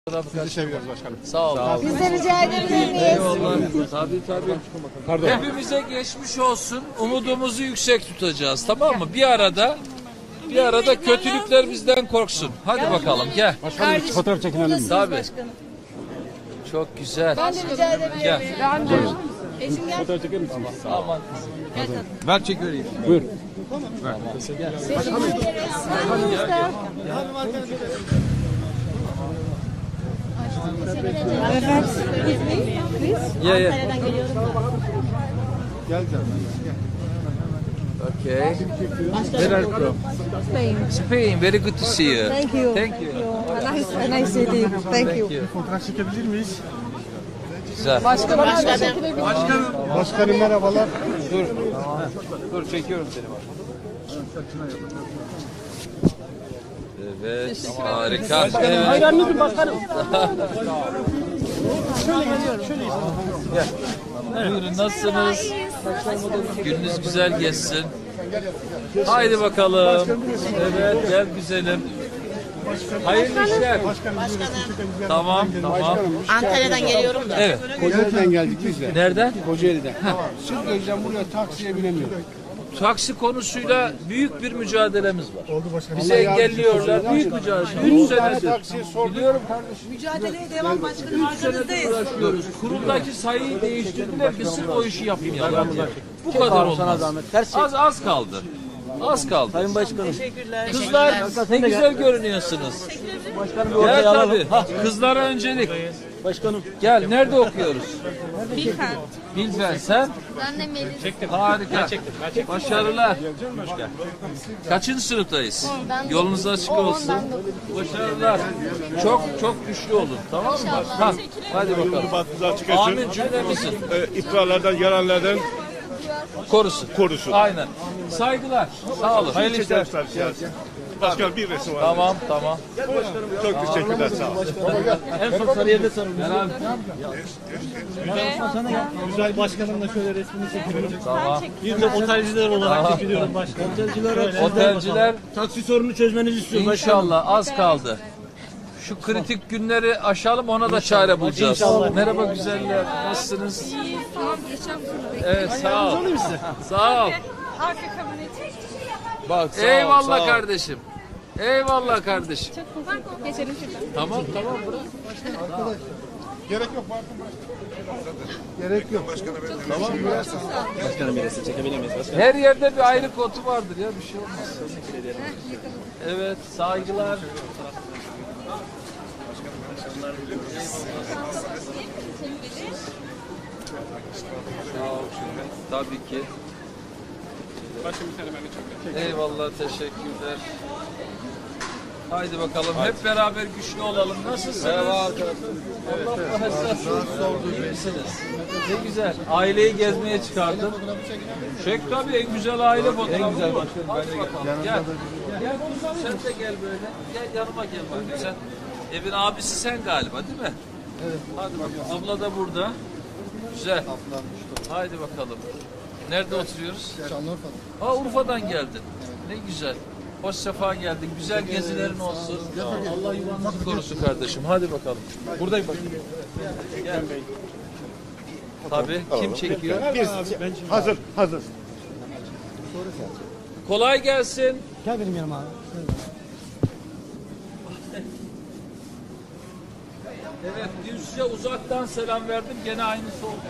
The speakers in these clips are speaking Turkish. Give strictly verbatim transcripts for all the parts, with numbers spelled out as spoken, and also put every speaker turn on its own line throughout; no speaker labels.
Sizi seviyoruz başkanım.
Sağ olun.
Biz de rica edebilir miyiz?
Eyvallah. Tabii tabii.
Pardon.
Hepimize geçmiş olsun. Umudumuzu yüksek tutacağız. Tamam mı? Bir arada bir arada kötülükler bizden korksun. Hadi bakalım gel.
Başkanım fotoğraf çekinelim mi?
Tabii. Çok güzel.
Ben de rica edebilir
Gel.
miyim? Eşim gel.
Fotoğraf çeker misiniz?
Aman.
Ver çek vereyim. Buyur.
Evet. Biz
Yeah, yeah.
Antalya'dan geliyoruz da.
Gel canım.
Okay. Where are you from?
Spain.
Spain. Very good to see you.
Thank you.
Thank you.
A nice, a nice city. Thank you.
Fotoğraf çekebilir miyiz?
Güzel.
Başkanım.
Başkanım merhabalar.
Dur. Dur çekiyorum seni bak. Evet. Harika. Evet.
Hayranınızım başkanım.
Gel. Buyurun nasılsınız? Gününüz güzel geçsin. Haydi bakalım. Evet gel güzelim. Hayırlı işler. Tamam tamam.
Antalya'dan geliyorum da.
Evet.
Kocaeli'den geldik biz de.
Nereden?
Kocaeli'den. Siz gözden buraya taksiye binemiyoruz.
Taksi konusuyla büyük bir mücadelemiz var.
Oldu başkanım.
Bizi engelliyorlar. Büyük mücadele. Üç senedir.
Taksiye sorduk.
Biliyorum kardeşim.
Mücadeleye devam başkanım.
Üç senedir uğraşıyoruz. Kuruldaki sayıyı değiştirdiler. Biz sırf o işi yapmayalım. Bu kadar olmaz. Az az kaldı. Az kaldı.
Sayın Başkanım.
Teşekkürler.
Kızlar ne güzel görünüyorsunuz.
Başkanım bir
Gel
ortaya alalım.
tabii. Kızlara öncelik.
Başkanım.
Gel nerede okuyoruz?
Bilfen.
Bilfen sen.
Ben de Melis.
Harika. Başarılar. Kaçıncı sınıftayız? Yolunuz açık olsun. Başarılar. Çok çok güçlü olun. Tamam mı? Ha, hadi bakalım.
Batınızı açık etsin.
Amin cümlemizin.
Ee, iftirarlardan, yalanlardan
Korusun.
korusun.
Aynen. Saygılar. Sağ olun.
Hayırlı işler. Başkanım bir resim var.
Tamam tamam.
Çok teşekkürler, sağ olun.
En son Sarıyer'de sarılmış.
Gel abi.
Güzel başkanımla şöyle resmini çekiyorum.
Tamam.
Bir de otelciler olarak çekiliyorum başkanım. Otelciler,
Otelciler
taksi sorunu çözmenizi istiyorum başkanım.
İnşallah az kaldı. Şu kritik günleri aşalım ona da çare bulacağız.
İnşallah.
Merhaba güzeller. Nasılsınız?
Tamam geçeceğim sonra.
Evet sağ ol. Sağ ol.
Arka kabineti.
Bak sağ Eyvallah ol, sağ kardeşim. Eyvallah kardeşim.
Geçelim şuradan.
Tamam tamam bırak.
Gerek yok Bartın Gerek yok.
Başkanım bir resim çekebilir miyiz başkanım?
Her yerde bir ayrı kotu vardır ya bir şey olmaz. Evet saygılar. Sağ ol çünkü. Tabii ki. Eyvallah teşekkürler. Haydi bakalım hep beraber güçlü olalım. Nasılsınız? Merhaba arkadaşlar. Allah nasılsınız? İyi misiniz? Ne güzel. Aileyi gezmeye çıkardım. Çek tabii en güzel aile fotoğrafı. En güzel başkanım. Hadi bakalım. Gel. Gel sen de gel böyle. Gel yanıma gel bakayım sen. Evin abisi sen galiba değil mi? Evet. Hadi bakalım. Abla da burada. Güzel. Haydi bakalım. Nerede oturuyoruz? Şanlıurfa'da. Aa Urfa'dan geldin. Ne güzel. Hoş sefa geldin. Güzel gezilerin olsun. Allah yuvanızı korusun kardeşim. Hadi bakalım. Buradayım bak. Gel. Tabii. Kim çekiyor?
Biz, hazır, hazır.
Kolay gelsin.
Gel benim yanıma abi.
Evet, dün size uzaktan selam verdim. Gene aynısı oldu.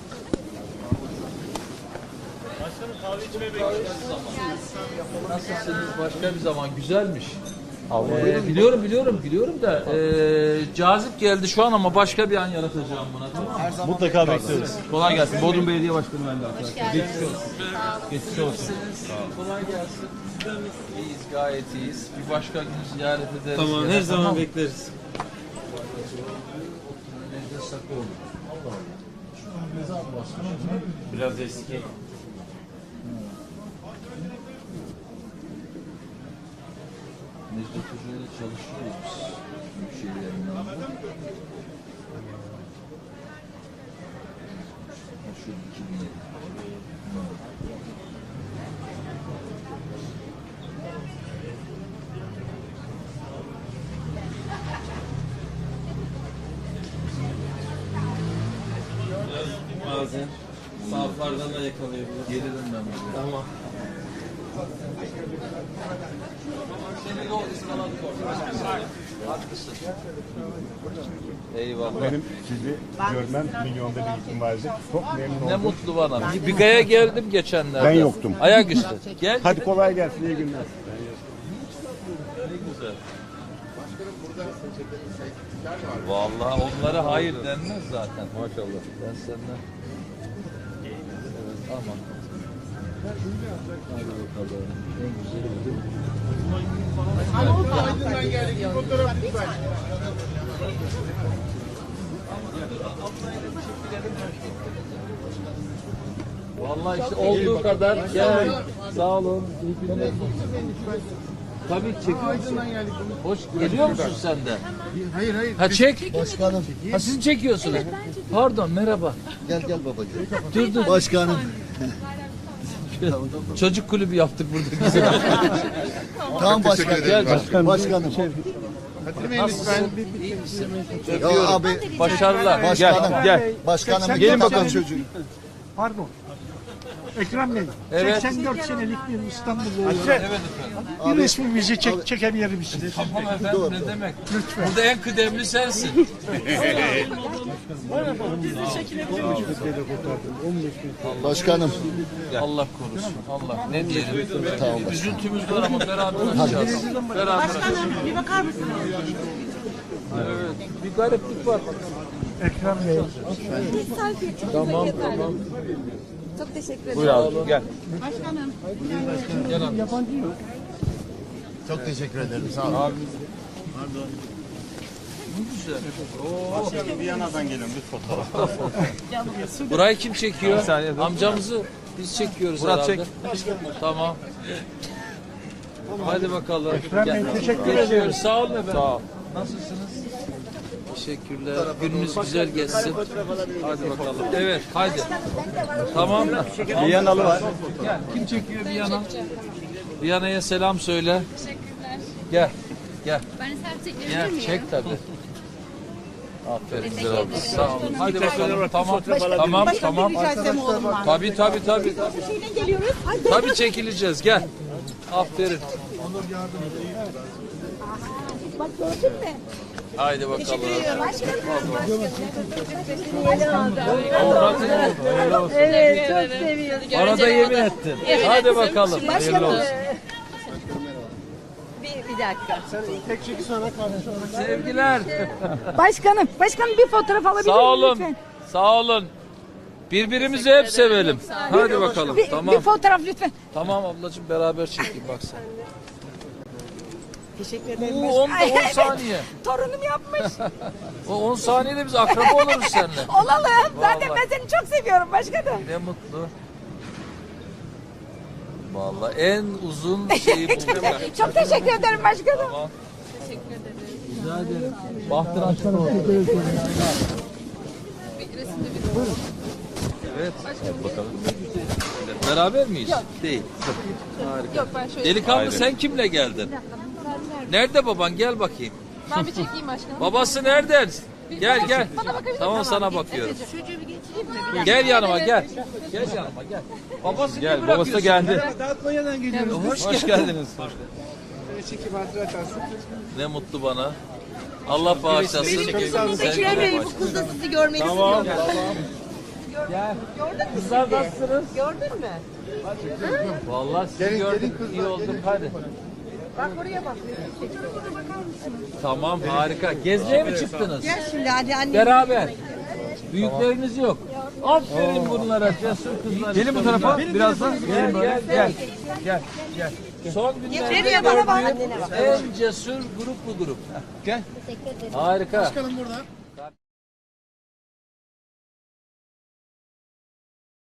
Başkanım kahve içmeye bekliyoruz. Nasılsınız? Başka bir zaman. Güzelmiş. Ee, biliyorum biliyorum biliyorum da e, cazip geldi şu an ama başka bir an yaratacağım buna. Tamam mı?
Mutlaka bekliyoruz.
Kolay gelsin. Bodrum Belediye Başkanı ben de arkadaşlar.
Geçmiş olsun.
Geçmiş olsun.
Kolay gelsin. İyiyiz, gayet iyiyiz. Bir başka gün ziyaret ederiz.
Tamam
gene,
her zaman
tamam mı?
bekleriz.
Biraz eski.
Necdet Hoca'yla çalışıyoruz biz. Büyükşehir'in yanında. Şu iki bin yedi. bazen saflardan da yakalayabilir. Gelirim ben buraya. Tamam. Seni yol ıskaladık orada. Haklısın. Eyvallah.
Benim sizi görmem milyonda bir ihtimaldi. Çok memnun
Ne
oldum.
mutlu bana. Bir Biga'ya geldim geçenlerde.
Ben yoktum.
Ayaküstü. Gel.
Hadi kolay gelsin, iyi günler.
Ne güzel. Vallahi onlara hayır denmez zaten. Maşallah. Ben senden. Evet, aman. Hadi bakalım. En güzeli Vallahi işte olduğu kadar gel. Sağ olun. İyi günler. Tabii çekiyorsun. Hoş geliyor musun sen de?
Hayır hayır.
Ha çek.
Başkanım.
Ha siz mi çekiyorsunuz? Pardon merhaba.
Gel gel babacığım.
Dur dur.
Başkanım.
Çocuk kulübü yaptık burada güzel.
Tamam başkanım.
Gel başkanım.
Başkanım.
Nasılsın? İyi misin?
Ya
Öpüyorum.
abi.
Başarılar.
Başkanım.
Gel. Gel.
Başkanım.
Gelin bakalım.
Çocuğu.
Pardon. Ekrem Bey,
Evet.
seksen dört senelik bir İstanbullu olarak
Evet efendim.
bir resmimizi çek, çekebilir misiniz?
Tamam efendim ne demek? Burada en kıdemli sensin.
Başkanım.
Allah korusun. Allah ne diyelim. Üzüntümüz var ama beraber açacağız. Beraber açacağız.
Başkanım bir bakar mısınız?
Evet. Bir gariplik var.
Ekrem Bey.
Tamam tamam.
Çok teşekkür ederim.
Buyur abi gel.
Başkanım.
Gel abi.
Çok teşekkür ederim. Sağ olun.
Abi. Ne güzel. Oo.
Viyana'dan gelen bir fotoğraf.
Burayı kim çekiyor? Amcamızı biz çekiyoruz
Murat
herhalde. Tamam. Hadi bakalım.
Ekrem Bey, teşekkür
Geçiyoruz.
ederim.
Sağ olun efendim. Sağ ol. Nasılsınız? Teşekkürler. Gününüz güzel geçsin. Hadi bakalım. Evet, hadi. Tamam.
Viyanalı var.
Gel. Kim çekiyor Viyana? Viyana'ya selam söyle.
Teşekkürler.
Gel. Gel.
Ben de selfie çekebilir
Gel.
miyim?
Çek tabii. Aferin güzel oldu. Sağ olun. Hadi bakalım. Tamam. Tamam.
Başkanım
Tamam.
bir rica etsem oğlum var.
Tabii tabii tabii.
Şeyden geliyoruz. Ay,
Tabii çekileceğiz. Gel. Aferin.
bak gördün mü?
Haydi bakalım.
Evet, çok seviyorum.
Bana da yemin ettin. Hadi bakalım. Hayırlı olsun.
Bir, bir dakika.
Sevgiler.
Başkanım, başkanım bir fotoğraf alabilir
Sağ
miyim
olun.
lütfen?
Sağ olun. Birbirimizi hep sevelim. Hadi bakalım.
Bir,
Tamam.
bir fotoğraf lütfen.
Tamam ablacığım beraber çekeyim bak sen.
Teşekkür ederim.
Oo, on, on saniye.
Torunum yapmış.
O on saniyede biz akraba oluruz seninle.
Olalım. Zaten
Vallahi.
ben seni çok seviyorum başkanım.
Ne mutlu. Vallahi en uzun şeyi bulduk.
Çok teşekkür ederim başkanım.
Tamam. Teşekkür ederim. Rica ederim. Bahtır açık olsun. Evet. Hadi bakalım. Beraber miyiz? Değil. Harika.
Yok ben şöyle.
Delikanlı sen kimle geldin? Nerede baban? Gel bakayım.
Ben bir çekeyim başkanım.
Babası nereden? Gel gel.
Bana bakabilir misin?
Tamam sana bakıyorum.
Çocuğu bir geçireyim mi?
Gel yanıma gel. Gel yanıma gel. Babası
Gel, babası da geldi.
Almanya'dan geliyoruz.
Hoş,
Hoş geldiniz.
Çekim hatırlarsın.
Ne mutlu bana. Allah bağışlasın.
Ekrem Bey bu kız da sizi görmek
Tamam.
istiyor.
Gel. Kızlar nasılsınız?
Gördün mü?
Vallahi sizi
Gelin,
gördüm.
gelin kızlar,
İyi oldum.
gelin.
Hadi.
Bak oraya bak.
Tamam harika. Gezmeye mi çıktınız?
Gel şimdi hadi anne.
Beraber. Büyükleriniz yok. Aferin bunlara cesur kızlar.
Gelin bu tarafa birazdan.
Gel gel gel. Gel gel. Son günlerde
Nereye bana bak?
gördüğüm en cesur grup bu grup. Gel. Harika.
Başkanım burada.